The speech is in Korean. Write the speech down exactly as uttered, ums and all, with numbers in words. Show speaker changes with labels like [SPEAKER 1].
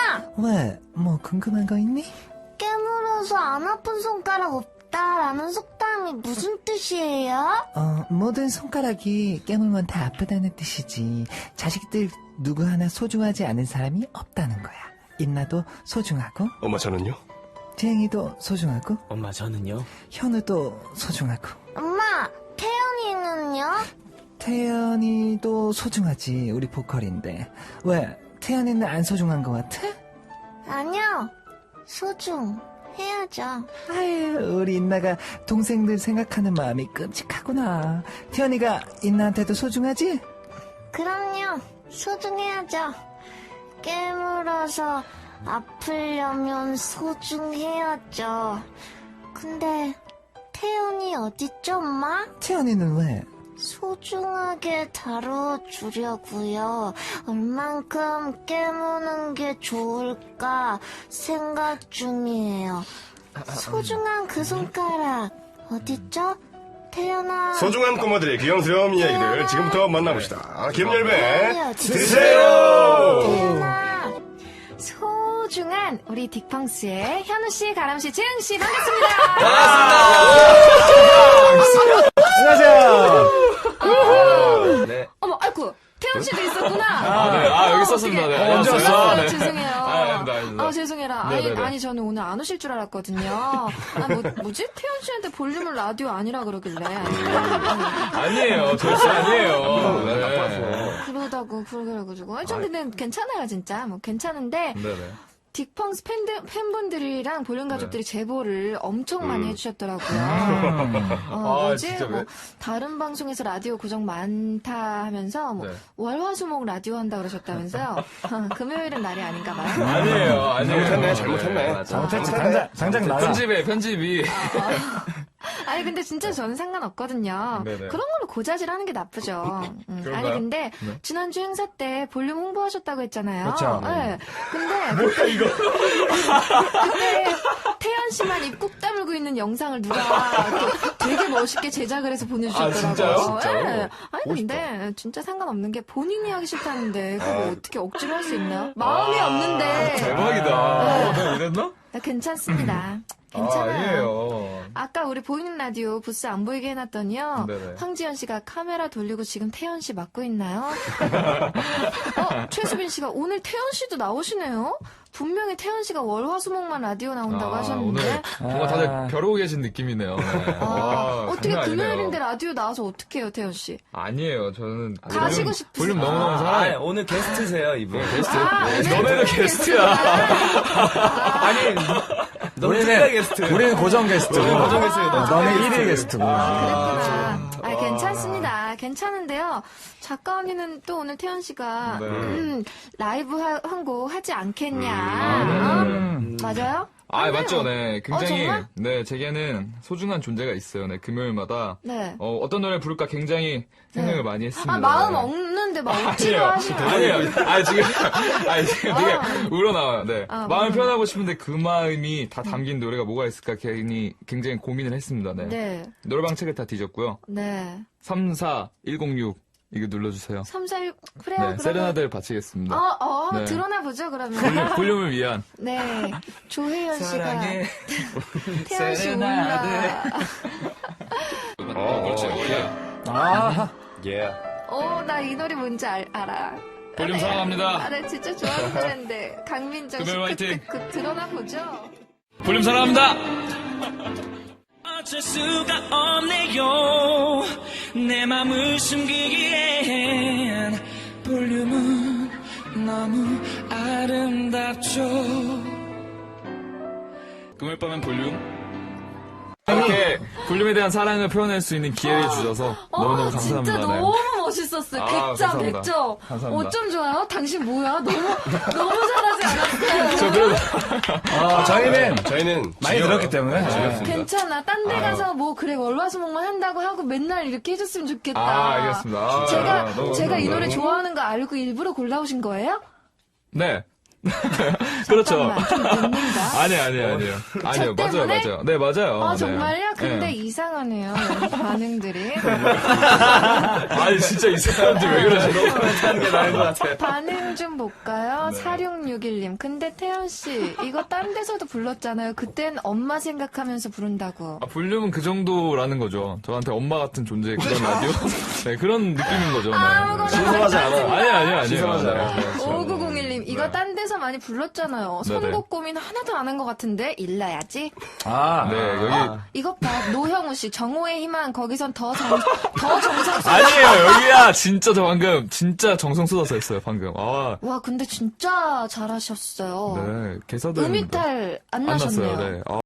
[SPEAKER 1] 왜? 뭐 궁금한 거 있니?
[SPEAKER 2] 깨물어서 안 아픈 손가락 없다라는 속담이 무슨 뜻이에요?
[SPEAKER 1] 어, 모든 손가락이 깨물면 다 아프다는 뜻이지. 자식들 누구 하나 소중하지 않은 사람이 없다는 거야. 인나도 소중하고,
[SPEAKER 3] 엄마 저는요?
[SPEAKER 1] 재행이도 소중하고,
[SPEAKER 4] 엄마 저는요?
[SPEAKER 1] 현우도 소중하고,
[SPEAKER 2] 엄마, 태연이는요?
[SPEAKER 1] 태연이도 소중하지. 우리 보컬인데. 왜? 태연이는 안 소중한 것 같아?
[SPEAKER 2] 아니요, 소중해야죠.
[SPEAKER 1] 아유, 우리 인나가 동생들 생각하는 마음이 끔찍하구나. 태연이가 인나한테도 소중하지?
[SPEAKER 2] 그럼요, 소중해야죠. 깨물어서 아프려면 소중해야죠. 근데 태연이 어딨죠, 엄마?
[SPEAKER 1] 태연이는 왜?
[SPEAKER 2] 소중하게 다뤄주려고요. 얼만큼 깨무는 게 좋을까 생각 중이에요. 소중한 그 손가락 어딨죠? 태연아.
[SPEAKER 3] 소중한 꼬마들의 귀염스러운 이야기들 지금부터 만나봅시다. 김열배
[SPEAKER 2] 드세요.
[SPEAKER 3] 드세요.
[SPEAKER 2] 태연아.
[SPEAKER 5] 소중한 우리 딕펑스의 현우씨, 가람씨, 재흥씨 반갑습니다.
[SPEAKER 1] 안녕하세요.
[SPEAKER 4] 네.
[SPEAKER 5] 어머, 아이고, 태연씨도 있었구나.
[SPEAKER 4] 아, 네. 아, 여기 있었습니다. 네.
[SPEAKER 5] 어,
[SPEAKER 4] 안녕하세요.
[SPEAKER 5] 죄송해요.
[SPEAKER 4] 네.
[SPEAKER 5] 죄송해요.
[SPEAKER 4] 아, 아닙니다, 아닙니다.
[SPEAKER 5] 아, 죄송해라. 아니,
[SPEAKER 4] 네네네.
[SPEAKER 5] 아니, 저는 오늘 안 오실 줄 알았거든요. 아, 뭐, 뭐지? 태연씨한테 볼륨을 라디오 아니라 그러길래.
[SPEAKER 4] 아니에요. 절대 아니에요. 네.
[SPEAKER 5] 그러다고, 그러가지고. 아니, 저는 괜찮아요, 진짜. 뭐, 괜찮은데.
[SPEAKER 4] 네네.
[SPEAKER 5] 딕펑스 팬들, 팬분들이랑 볼륨 가족들이 제보를 엄청 많이
[SPEAKER 3] 음.
[SPEAKER 5] 해주셨더라고요. 어,
[SPEAKER 4] 아,
[SPEAKER 5] 뭐지?
[SPEAKER 4] 진짜 왜?
[SPEAKER 5] 뭐, 다른 방송에서 라디오 고정 많다 하면서, 뭐,
[SPEAKER 4] 네.
[SPEAKER 5] 월화수목 라디오 한다 그러셨다면서요? 금요일은 날이 아닌가 봐요.
[SPEAKER 4] 아니에요. 아니에요.
[SPEAKER 3] 잘못했네, 잘못했네.
[SPEAKER 4] 맞아.
[SPEAKER 1] 잘못했지. 당장, 당장 나가.
[SPEAKER 4] 편집에, 편집이.
[SPEAKER 5] 아니, 근데 진짜 저는 상관없거든요.
[SPEAKER 4] 네네.
[SPEAKER 5] 그런 걸로 고자질하는 게 나쁘죠. 음,
[SPEAKER 4] 그런가요?
[SPEAKER 5] 아니, 근데,
[SPEAKER 4] 네.
[SPEAKER 5] 지난주 행사 때 볼륨 홍보하셨다고 했잖아요.
[SPEAKER 1] 그렇죠.
[SPEAKER 5] 네. 근데,
[SPEAKER 4] 뭐야, 이거.
[SPEAKER 5] 그때 태연 씨만 입 꾹 다물고 있는 영상을 누가 이렇게 되게 멋있게 제작을 해서 보내주셨더라고요.
[SPEAKER 4] 아, 진짜요? 진짜로?
[SPEAKER 5] 네. 아니
[SPEAKER 4] 보고
[SPEAKER 5] 근데 진짜 상관없는 게 본인이 하기 싫다는데 그거 어떻게 억지로 할 수 있나요? 마음이 없는데.
[SPEAKER 4] 대박이다. 어, 내가 이랬나?
[SPEAKER 5] 나 괜찮습니다.
[SPEAKER 4] 아,
[SPEAKER 5] 괜찮아요.
[SPEAKER 4] 아니에요.
[SPEAKER 5] 아까 우리 보이는 라디오 부스 안 보이게 해놨더니요.
[SPEAKER 4] 네네.
[SPEAKER 5] 황지연 씨가 카메라 돌리고 지금 태연 씨 맡고 있나요? 어, 최수빈 씨가 오늘 태연 씨도 나오시네요? 분명히 태연 씨가 월화수목만 라디오 나온다고
[SPEAKER 4] 아,
[SPEAKER 5] 하셨는데.
[SPEAKER 4] 오늘 뭔가 다들
[SPEAKER 1] 아.
[SPEAKER 4] 벼르고 계신 느낌이네요. 네.
[SPEAKER 5] 아,
[SPEAKER 4] 와,
[SPEAKER 5] 어떻게
[SPEAKER 4] 장난 아니네요.
[SPEAKER 5] 금요일인데 라디오 나와서 어떡해요, 태연 씨?
[SPEAKER 4] 아니에요. 저는
[SPEAKER 5] 가시고
[SPEAKER 4] 볼륨-
[SPEAKER 5] 싶으세요?
[SPEAKER 4] 볼륨 너무너무
[SPEAKER 6] 아,
[SPEAKER 4] 사랑해요.
[SPEAKER 6] 아니, 오늘 게스트세요, 이분.
[SPEAKER 4] 게스트.
[SPEAKER 5] 아,
[SPEAKER 4] 네,
[SPEAKER 5] 오늘
[SPEAKER 4] 너네도 게스트야.
[SPEAKER 6] 아니, 너무 특별 게스트.
[SPEAKER 1] 우리는 고정 게스트.
[SPEAKER 6] 고정 게스트.
[SPEAKER 1] 어, 너는 일일 게스트고.
[SPEAKER 5] 그랬구나. 아, 괜찮습니다. 괜찮은데요. 작가 언니는 또 오늘 태연 씨가
[SPEAKER 4] 네.
[SPEAKER 5] 음, 라이브 한 곡 하지 않겠냐.
[SPEAKER 4] 아,
[SPEAKER 5] 어?
[SPEAKER 1] 음.
[SPEAKER 5] 맞아요?
[SPEAKER 4] 아,
[SPEAKER 5] 네,
[SPEAKER 4] 맞죠,
[SPEAKER 5] 어.
[SPEAKER 4] 네.
[SPEAKER 5] 어,
[SPEAKER 4] 굉장히,
[SPEAKER 5] 정말?
[SPEAKER 4] 네, 제게는 소중한 존재가 있어요, 네, 금요일마다.
[SPEAKER 5] 네.
[SPEAKER 4] 어, 어떤 노래 부를까 굉장히 생각을
[SPEAKER 5] 네.
[SPEAKER 4] 많이 했습니다.
[SPEAKER 5] 아, 마음
[SPEAKER 4] 네.
[SPEAKER 5] 없는데 막 억지로 하시면.
[SPEAKER 4] 아니에요. 아니, 지금, 아니, 지금 되게
[SPEAKER 5] 아.
[SPEAKER 4] 우러나와요, 네.
[SPEAKER 5] 아,
[SPEAKER 4] 마음을
[SPEAKER 5] 음.
[SPEAKER 4] 표현하고 싶은데 그 마음이 다 담긴 노래가 뭐가 있을까 괜히 굉장히 고민을 했습니다, 네.
[SPEAKER 5] 네.
[SPEAKER 4] 노래방 책을 다 뒤졌고요.
[SPEAKER 5] 네.
[SPEAKER 4] 삼사일공육, 이거 눌러주세요.
[SPEAKER 5] 삼, 사, 일, 그래요.
[SPEAKER 4] 네,
[SPEAKER 5] 그러면.
[SPEAKER 4] 세레나데를 바치겠습니다.
[SPEAKER 5] 어, 어, 한번
[SPEAKER 4] 네.
[SPEAKER 5] 드러나 보죠, 그러면.
[SPEAKER 4] 볼륨, 볼륨을 위한.
[SPEAKER 5] 네. 조혜연 씨가.
[SPEAKER 6] 사랑해.
[SPEAKER 5] 태연 씨
[SPEAKER 6] 세레나데.
[SPEAKER 5] 울라.
[SPEAKER 3] 어, 그렇지.
[SPEAKER 1] 아,
[SPEAKER 6] 예.
[SPEAKER 5] 어, 나 이 노래 뭔지 알, 알아.
[SPEAKER 4] 볼륨
[SPEAKER 5] 아,
[SPEAKER 4] 사랑합니다.
[SPEAKER 5] 아, 나 진짜 좋아하는 노래인데. 강민정 씨.
[SPEAKER 4] 금요일 화이팅.
[SPEAKER 5] 그, 그, 그, 드러나 보죠.
[SPEAKER 4] 볼륨 사랑합니다!
[SPEAKER 7] 어쩔 수가 없네요. 내 맘을 숨기기엔 볼륨은 너무 아름답죠.
[SPEAKER 4] 금요일 밤엔 볼륨. 이렇게 볼륨에 대한 사랑을 표현할 수 있는 기회를 주셔서 너무너무
[SPEAKER 5] 어,
[SPEAKER 4] 감사합니다.
[SPEAKER 5] 진짜
[SPEAKER 4] 네.
[SPEAKER 5] 너무 멋있었어요.
[SPEAKER 4] 아,
[SPEAKER 5] 백 점,
[SPEAKER 4] 감사합니다.
[SPEAKER 5] 백 점.
[SPEAKER 4] 감사합니다.
[SPEAKER 5] 어쩜 좋아요? 당신 뭐야? 너무, 너무 잘하지 않았어요?
[SPEAKER 4] 저 그래도
[SPEAKER 1] 어, 저희는
[SPEAKER 3] 저희는
[SPEAKER 1] 많이
[SPEAKER 3] 지겨워요.
[SPEAKER 1] 들었기 때문에. 네.
[SPEAKER 5] 괜찮아. 딴 데
[SPEAKER 4] 아유.
[SPEAKER 5] 가서 뭐, 그래, 월화수목만 한다고 하고 맨날 이렇게 해줬으면 좋겠다.
[SPEAKER 4] 아, 알겠습니다. 아,
[SPEAKER 5] 제가,
[SPEAKER 4] 너무
[SPEAKER 5] 제가 이 노래
[SPEAKER 4] 감사합니다.
[SPEAKER 5] 좋아하는 거 알고 일부러 골라오신 거예요?
[SPEAKER 4] 네. 그렇죠.
[SPEAKER 5] 잠깐만, 좀 늦는가?
[SPEAKER 4] 아니, 아니, 아니요. 아니요, 맞아요,
[SPEAKER 5] 때문에?
[SPEAKER 4] 맞아요. 네, 맞아요.
[SPEAKER 5] 아,
[SPEAKER 4] 네.
[SPEAKER 5] 정말요? 근데
[SPEAKER 4] 네.
[SPEAKER 5] 이상하네요. 반응들이.
[SPEAKER 4] 아니, 진짜 이 사람들 왜 그러시노?
[SPEAKER 6] 하는 게 나은 것 같아요.
[SPEAKER 5] 반응 좀 볼까요?
[SPEAKER 4] 네.
[SPEAKER 5] 사육육일 님. 근데 태연씨, 이거 딴 데서도 불렀잖아요. 그땐 엄마 생각하면서 부른다고.
[SPEAKER 4] 아, 볼륨은 그 정도라는 거죠. 저한테 엄마 같은 존재, 그런 라디오? 네, 그런 느낌인 거죠. 네.
[SPEAKER 5] 아무거나
[SPEAKER 6] 신성하지 않아.
[SPEAKER 4] 아니, 아니, 아니.
[SPEAKER 6] 신성하지 않아.
[SPEAKER 5] 오구공일 님, 이거
[SPEAKER 4] 네.
[SPEAKER 5] 딴 데서 많이 불렀잖아요.
[SPEAKER 4] 네네.
[SPEAKER 5] 선곡 고민 하나도 안 한 것 같은데? 일러야지.
[SPEAKER 6] 아,
[SPEAKER 4] 네, 여기.
[SPEAKER 5] 이것 봐, 노형우 씨, 정오의 희망, 거기선 더 정, 더 정성 쏟아.
[SPEAKER 4] 아니에요, 여기야. 진짜 저 방금, 진짜 정성 쏟아서 했어요, 방금. 아,
[SPEAKER 5] 와, 근데 진짜 잘하셨어요.
[SPEAKER 4] 네, 개사들.
[SPEAKER 5] 음이탈 안
[SPEAKER 4] 안
[SPEAKER 5] 나셨네요.
[SPEAKER 4] 났어요, 네. 아,